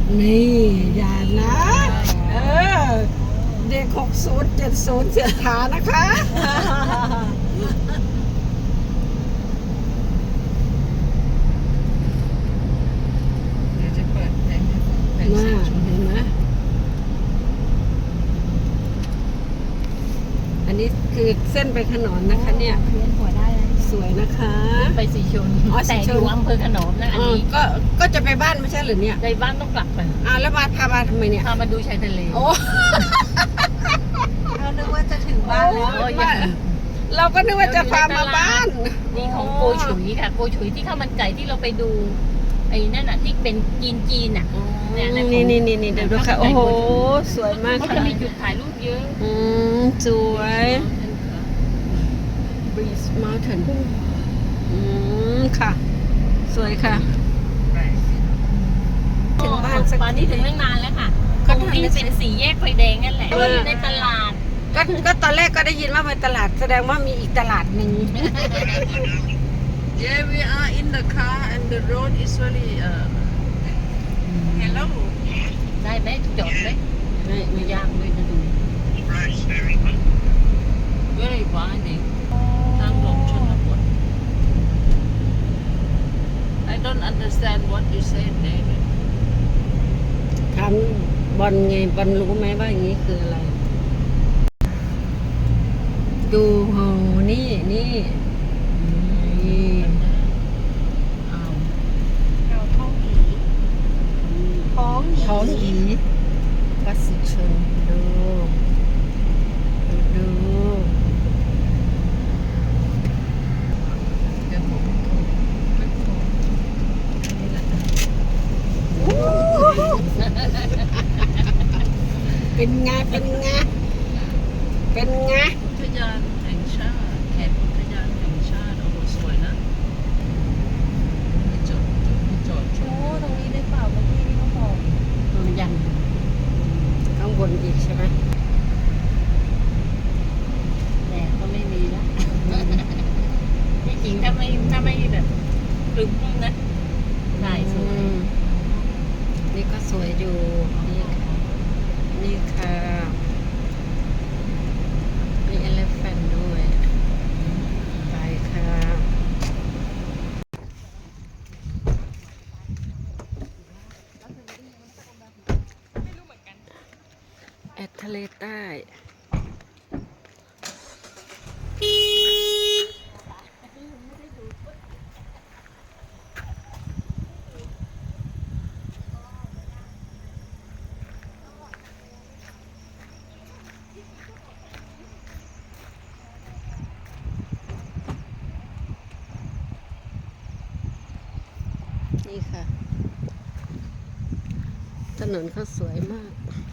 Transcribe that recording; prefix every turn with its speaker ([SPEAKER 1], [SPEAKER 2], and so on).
[SPEAKER 1] นี่อย่านะเออเด็ก60 70เสียฐานนะคะ
[SPEAKER 2] เดี๋ยวจะเปิดเพลงให้ฟังเพลง
[SPEAKER 1] น่า
[SPEAKER 2] สีชม
[SPEAKER 1] เห็นไหมอันนี้คือเส้นไปขนอนนะคะเนี่ย
[SPEAKER 3] เวียนหัวได้แล้ว
[SPEAKER 1] สวยนะคะ
[SPEAKER 3] ไปสีชน
[SPEAKER 1] อ๋อสี
[SPEAKER 3] แต่
[SPEAKER 1] ช
[SPEAKER 3] อน ยู่อำเภอขนอมนะอันนี้
[SPEAKER 1] ก็จะไปบ้านไม่ใช่หรือเนี่ย
[SPEAKER 3] ในบ้านต้องกลับไป
[SPEAKER 1] แล้วพามาทำไมเนี่ย
[SPEAKER 3] พามาดูชายทะเล
[SPEAKER 1] โอ้
[SPEAKER 4] เรานึกว่าจะถึงบ้านแล้ว
[SPEAKER 3] โอ้ยยัง
[SPEAKER 1] เราก็นึกว่าจะพามาบ้าน
[SPEAKER 3] นี่ของโกฉุยค่ะ โกฉุยที่ข้าวมันไก่ที่เราไปดู ไอ้นั่นน่ะที่เป็นจีนอ่ะ เนี่ยนะ
[SPEAKER 1] นี่เดี๋ยวดูค่ะ โอ้โห สวยมาก
[SPEAKER 3] เขา
[SPEAKER 1] ค่ะ
[SPEAKER 3] จะมีจุดถ่ายรูปเยอะ
[SPEAKER 1] สวย Breeze Mountain ค่ะ สวยค่ะ ถึงบ้านสัก
[SPEAKER 3] ตอนนี้ถึงตั้งนานแล้วค่ะ
[SPEAKER 1] ก็
[SPEAKER 3] ตรงที่เป็นสี่แยกไฟแดงนั่นแหละอยู่ในตลาด
[SPEAKER 1] ก็ตอนแรกก็ได้ยินว่าไปตลาดแสดงว่ามีอีกตลาดหนึ่ง
[SPEAKER 2] Yeah, we are in the car and the road is really hello
[SPEAKER 3] ได้ไหมจอดไหม ไม่ยากเลยจะดู very winding ทางลงชนบท
[SPEAKER 2] I don't understand what you said David
[SPEAKER 1] ถามบอลไงบอลรู้ไหมว่าอย่างนี้คืออะไร ดูโหนี่
[SPEAKER 2] อ้าว
[SPEAKER 4] เราท้องหีท้องหี
[SPEAKER 1] ปัสชนดู
[SPEAKER 2] เดี๋ยวผมโทรไม่โทรนี่แหละ
[SPEAKER 1] เป็นไง
[SPEAKER 2] อุทยานแห่งชาติเขตอุทยานแห่งชาติโอ้โหสวยนะจอดช
[SPEAKER 4] โอ้
[SPEAKER 2] ม
[SPEAKER 4] ตรงนี้ได้เปล่าเมื่อกี้ที่เขาบอก
[SPEAKER 3] มันยัง
[SPEAKER 1] ข้างบนอีกใช่ไหม
[SPEAKER 3] แดดก็ไม่มีแล้วที่จริงถ้าไม่แบบครึ้มนะถ่ายสวย
[SPEAKER 1] นี่ก็สวยอยู่ นี่ค่ะมีเอเลฟแฟนด้วย ไปค่ะแอดทะเลใต้ นี่ค่ะ ถนนเขาสวยมาก